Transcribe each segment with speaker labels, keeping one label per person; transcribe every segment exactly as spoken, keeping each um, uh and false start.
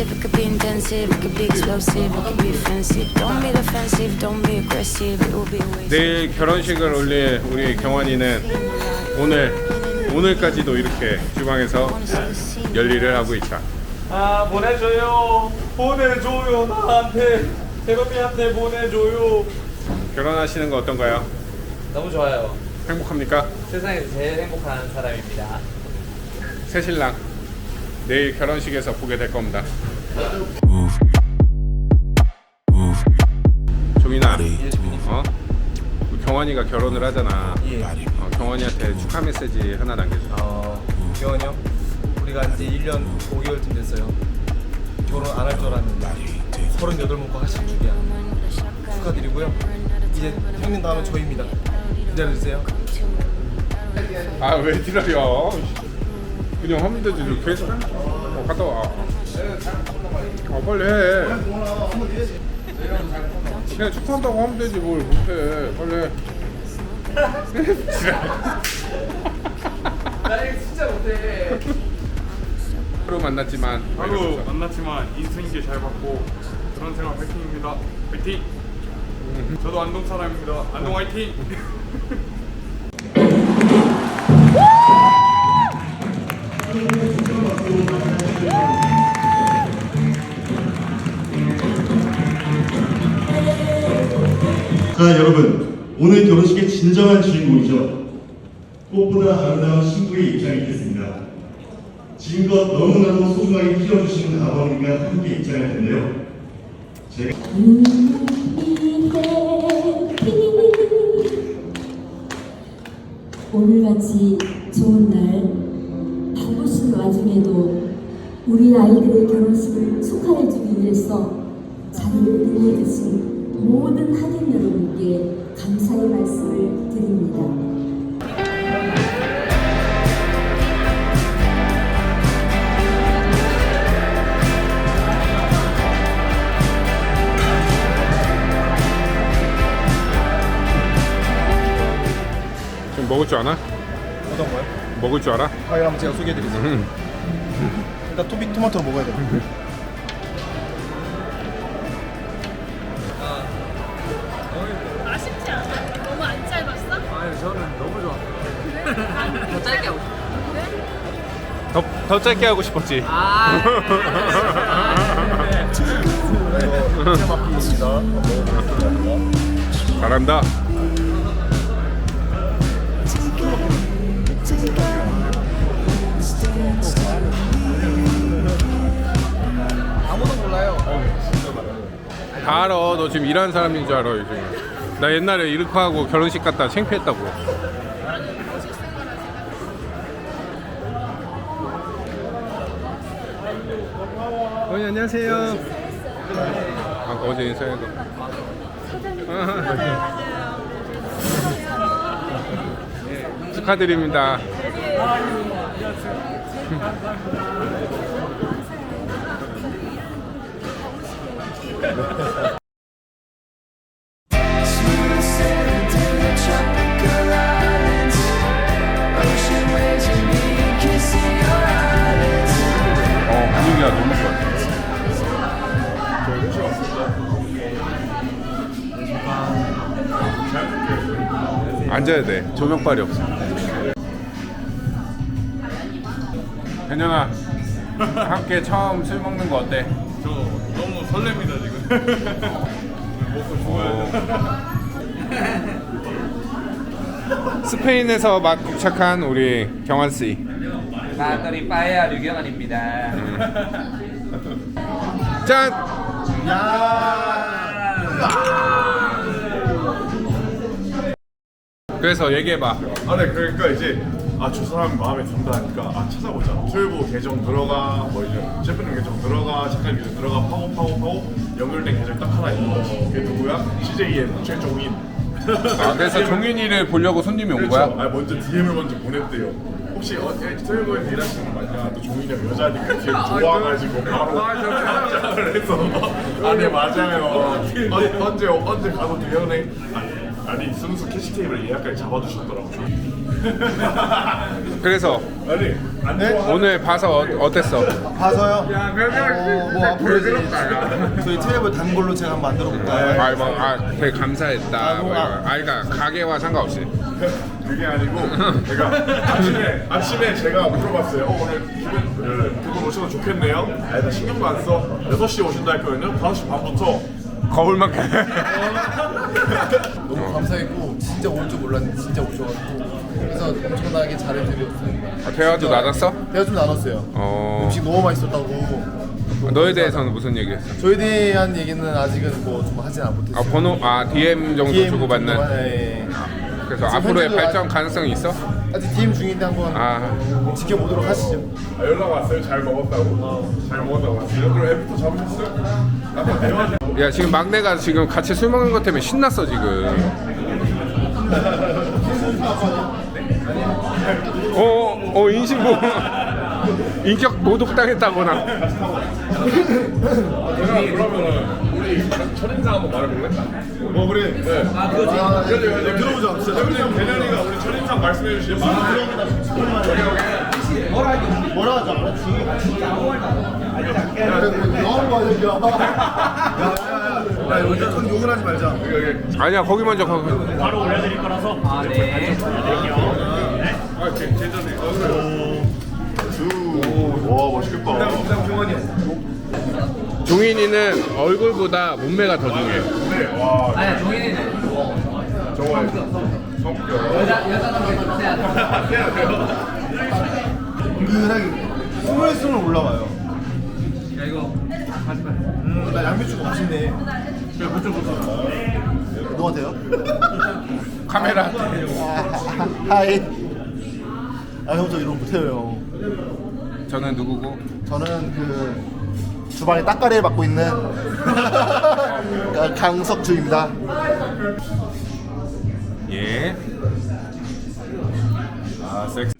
Speaker 1: intensive, it could be intensive, it could be explosive, it could be offensive. Don't be defensive, don't be aggressive, it will be a waste.
Speaker 2: 내일 결혼식을 올릴 우리 경환이는 오늘 오늘까지도 이렇게 주방에서 열일을 하고 있다.
Speaker 3: 아 보내줘요 보내줘요 나한테 대범이한테 보내줘요.
Speaker 2: 결혼하시는 거 어떤가요?
Speaker 3: 너무 좋아요.
Speaker 2: 행복합니까?
Speaker 3: 세상에서 제일 행복한 사람입니다.
Speaker 2: 새신랑 내일 결혼식에서 보게 될 겁니다. 종인아, 어? 경환이가 결혼을 하잖아.
Speaker 3: 예.
Speaker 2: 어, 경환이한테 축하 메시지 하나 남겨줘.
Speaker 3: 어 경환이 형 우리가 이제 일 년 오 개월쯤 됐어요. 결혼 안 할 줄 알았는데 서른여덟 먹고 하실 줄이야. 축하드리고요. 이제 형님 다음은 저희입니다. 기다려주세요.
Speaker 2: 아 왜 기다려? 그냥 하면 되지. 계속 어, 갔다 와. 어 빨리 해. 그냥 축하한다고 하면 되지 뭘 못해. 빨리 해.
Speaker 3: 나 이거 진짜 못해.
Speaker 2: 하루 만났지만
Speaker 4: 하루 만났지만 인생길 잘 받고 그런 생활 화이팅입니다. 화이팅! 저도 안동 사람입니다. 안동 화이팅!
Speaker 5: 자 여러분, 오늘 결혼식의 진정한 주인공이죠. 꽃보다 아름다운 신부의 입장이 있겠습니다. 지금껏 너무나도 소중하게 키워주시는 아버님과 함께 입장할 텐데요. 제가
Speaker 6: 오늘같이 좋은 날 바쁘신 와중에도 우리 아이들의 결혼식을 축하해주기 위해서 자리를 빛내주신 모든 하객 여러분께 감사의 말씀을 드립니다.
Speaker 2: 좀 먹을 줄 아나?
Speaker 3: 어떤 거요?
Speaker 2: 먹을 줄 알아?
Speaker 3: 아 이거 한번 제가 소개해드리세요.
Speaker 2: 응.
Speaker 3: 일단 토비 토마토 먹어야 돼요.
Speaker 7: 아쉽지 않아? 너무 안 짧았어?
Speaker 3: 아니 저는 너무 좋아.
Speaker 7: 더 짧게 하고
Speaker 2: 더, 더 짧게 하고 싶었지.
Speaker 7: 아
Speaker 2: 잘한다.
Speaker 3: 아무도 몰라요.
Speaker 2: 다 알아. 너 지금 일하는 사람인 줄 알아 요즘. 나 옛날에 이렇게 하고 결혼식 갔다 창피했다고. 어머니 안녕하세요. 아까 어제 인사해도. 축하드립니다. 어 분위기가 너무 좋아. 앉아야 돼. 조명빨이 없어. 현현아, 함께 처음 술 먹는 거 어때?
Speaker 4: 저 너무 설렙니다 지금. 먹고 죽어야 돼.
Speaker 2: 스페인에서 막 도착한 우리 경환 씨.
Speaker 3: 나들이 빠야 류경환입니다.
Speaker 2: 짠. 그래서 얘기해봐.
Speaker 8: 아, 네, 그러니까 이제 아, 저 사람 마음에 든다 하니까 아, 찾아보자. 트위브 계정 들어가, 뭐 이제 셰프님 계정 들어가, 작가님 계정 들어가, 파고 파고 파고 연결된 계정 딱 하나 있는 거지. 그게 누구야? 씨제이엠 최종인.
Speaker 2: 아, 그래서 종윤이를 보려고 손님이 온 거야?
Speaker 8: 아, 먼저 디엠을 먼저 보냈대요. 혹시 어, 트위브에서 일하시는 거 맞냐? 또 종인이 형 여자니까 디엠 좋아가지고 바로 답장을 해서 아네 맞아요. 어, 언제 언제 가도 돼요? 네. 아니, 아니 순수 캐시테이블 예약까지 잡아주셨더라고요.
Speaker 2: 그래서
Speaker 8: 아니 안
Speaker 3: 네?
Speaker 8: 좋아.
Speaker 2: 오늘 봐서 어, 어땠어?
Speaker 3: 봐서요. 어, 뭐 앞으로 이제 저희 트랩을 단골로 제가 한번 만들어 볼까요?
Speaker 2: 아, 뭐, 아 되게 감사했다.
Speaker 3: 아,
Speaker 2: 뭐,
Speaker 3: 뭐, 아.
Speaker 2: 아, 그러니까 가게와 상관없이.
Speaker 8: 그게 아니고 제가 아침에 아침에 제가 물어봤어요. 어, 오늘 두분 오셔서 좋겠네요. 아, 나 신경도 안 써. 여섯 시에 오신다 했거든요. 다섯 시 반부터
Speaker 2: 거울만큼.
Speaker 3: 너무 감사했고 진짜 올 줄 몰랐는데 진짜 오셔가지고 그래서 엄청나게 잘해드렸어요.
Speaker 2: 대화도 나눴어?
Speaker 3: 대화 좀 나눴어요.
Speaker 2: 어.
Speaker 3: 음식 너무 맛있었다고.
Speaker 2: 너에 대해서는 무슨 얘기했어?
Speaker 3: 저에 대한 얘기는 아직은 뭐 좀 하진 안 못했어요.
Speaker 2: 아 번호 아 디엠 정도
Speaker 3: 디엠
Speaker 2: 주고받는.
Speaker 3: 정도만, 예.
Speaker 2: 그래서
Speaker 3: 지금
Speaker 2: 앞으로의
Speaker 3: 현재도
Speaker 2: 발전
Speaker 3: 아직-
Speaker 2: 가능성이 있어?
Speaker 3: 아직 디엠 중인데 한번
Speaker 2: 아
Speaker 3: 지켜보도록 하시죠.
Speaker 8: 아, 연락 왔어요. 잘 먹었다고. 잘 먹었다고 왔어요. 그럼 애부터 잡으셨어요? 아까 대화 좀.
Speaker 2: 야 지금 막내가 지금 같이 술 먹는 것 때문에 신났어 지금. 어, 어 인신보 인격 모독당했다거나.
Speaker 8: 그러면은 우리 첫인상 한번 말해볼래? 뭐 그래? 네. 아 그거 네, 들어보자. 진짜 우리 대련이가 우리 첫인상 말씀해 주시면
Speaker 3: 뭐라 하지 않았지? 너무 많이 야, 야, 야, 욕을 하지 말자.
Speaker 2: 아니야 거기 먼저 거기.
Speaker 9: 바로 올려드릴 거라서. 아, 네.
Speaker 2: 아 제, 제전에.
Speaker 8: 와 멋있겠다.
Speaker 2: 종인이는 얼굴보다 몸매가 더 중요해.
Speaker 8: 네, 와.
Speaker 9: 아니야, 종인이는
Speaker 8: 정말 성격.
Speaker 9: 여자, 여자는 해야 돼.
Speaker 8: 해야 돼요.
Speaker 3: 은근하게 스물스물 올라와요.
Speaker 9: 야, 이거 하지 마.
Speaker 3: 음, 나 양배추가 맛있네.
Speaker 9: 그래, 그쪽, 그쪽.
Speaker 3: 누구한테요?
Speaker 2: 카메라.
Speaker 3: 하이. 아, 형 저 이런 거 못해요, 형.
Speaker 2: 저는 누구고?
Speaker 3: 저는 그 주방에 딱가리를 맡고 있는 강석주입니다.
Speaker 2: 예. 아 섹스.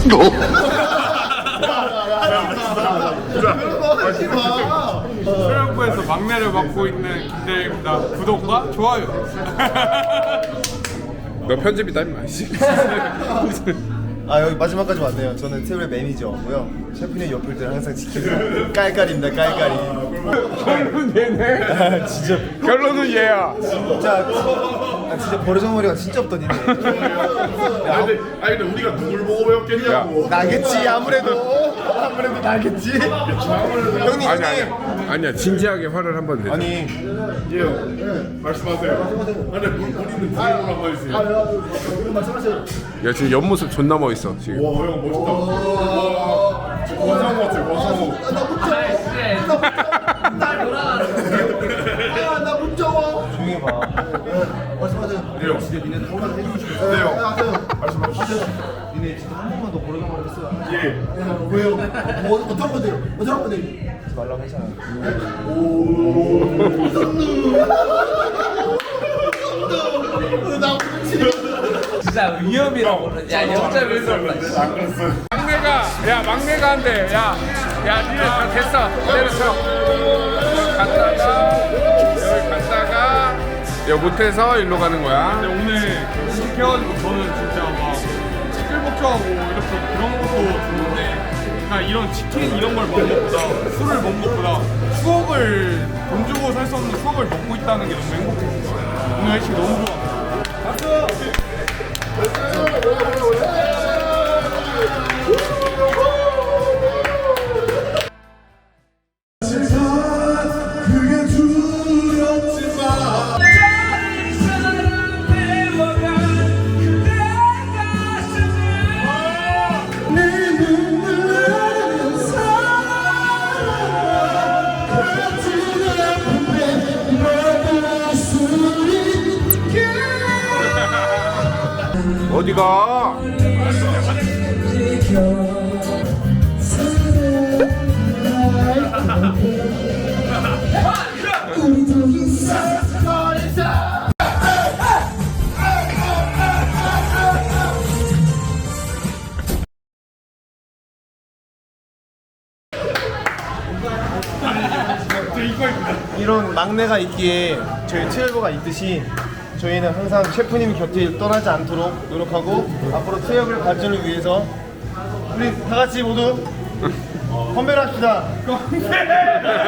Speaker 4: 수영부에서 막내를 맡고 있는 김대입니다. 구독과 좋아요.
Speaker 2: 너 편집이다 임마. 씨.
Speaker 3: 아 여기 마지막까지 왔네요. 저는 테이블 매니저고요. 셰프님 옆을 때 항상 지키는 깔깔입니다. 깔깔이.
Speaker 2: 결론은 얘네.
Speaker 3: 진짜
Speaker 2: 결론은 얘야.
Speaker 3: 진짜 아, 진짜 버르장머리가 진짜 없더니.
Speaker 8: 아니 근데, 아니 근데 우리가 누굴 보고 배웠겠냐고.
Speaker 3: 나겠지 아무래도 아무래도 나겠지. 형님
Speaker 2: 아니
Speaker 3: 형님.
Speaker 2: 아니야. 아니야 진지하게 화를 한번 내.
Speaker 3: 아니
Speaker 8: 예, 말씀하세요. 아니 물 뿌리는 드림을 한번 해주세요.
Speaker 3: 말씀하세요.
Speaker 2: 야 지금 옆모습 존나 멋있어 지금.
Speaker 8: 와, 형 멋있다. 와, 저 권상우 같아요. 권상우.
Speaker 3: 아나 문자와. 조용히 해봐. 말씀하세요.
Speaker 8: 네, 형.
Speaker 3: 진짜 니네 한번 해주고 싶어요.
Speaker 8: 네, 형.
Speaker 3: 하세요.
Speaker 8: 말씀하세요.
Speaker 3: 니네 진짜 한 번만 더 버르장머리 했어요.
Speaker 8: 예.
Speaker 3: 왜요? 뭐 어떤 건데요? 어떤 건데요? 하지 말라고 했잖아.
Speaker 9: 진짜 위험이라고. 야, 영점일 수 없다.
Speaker 8: 안 그랬어요.
Speaker 2: 막내가 야 막내가 한대. 야, 야 니네 다 됐어. 때려쳐. 갔다가 여기 갔다가 여 못해서 일로 가는 거야.
Speaker 4: 근데 오늘 이렇게 해가지고 저는 진짜 막 시끌벅적하고 이렇게 그런 것도 좋은데 그냥 이런 치킨 이런 걸 먹는 것보다 술을 먹는 것보다 추억을 돈 주고 살 수 없는 추억을 먹고 있다는 게 너무 행복했어요. 오늘 회식 너무 좋아.
Speaker 2: 어디가?
Speaker 3: 이런 막내가 있기에 저희 트레버가 있듯이 저희는 항상 셰프님 곁을 떠나지 않도록 노력하고 앞으로 트러블 발전을 위해서 우리 다 같이 모두 건배를 합시다. 건배!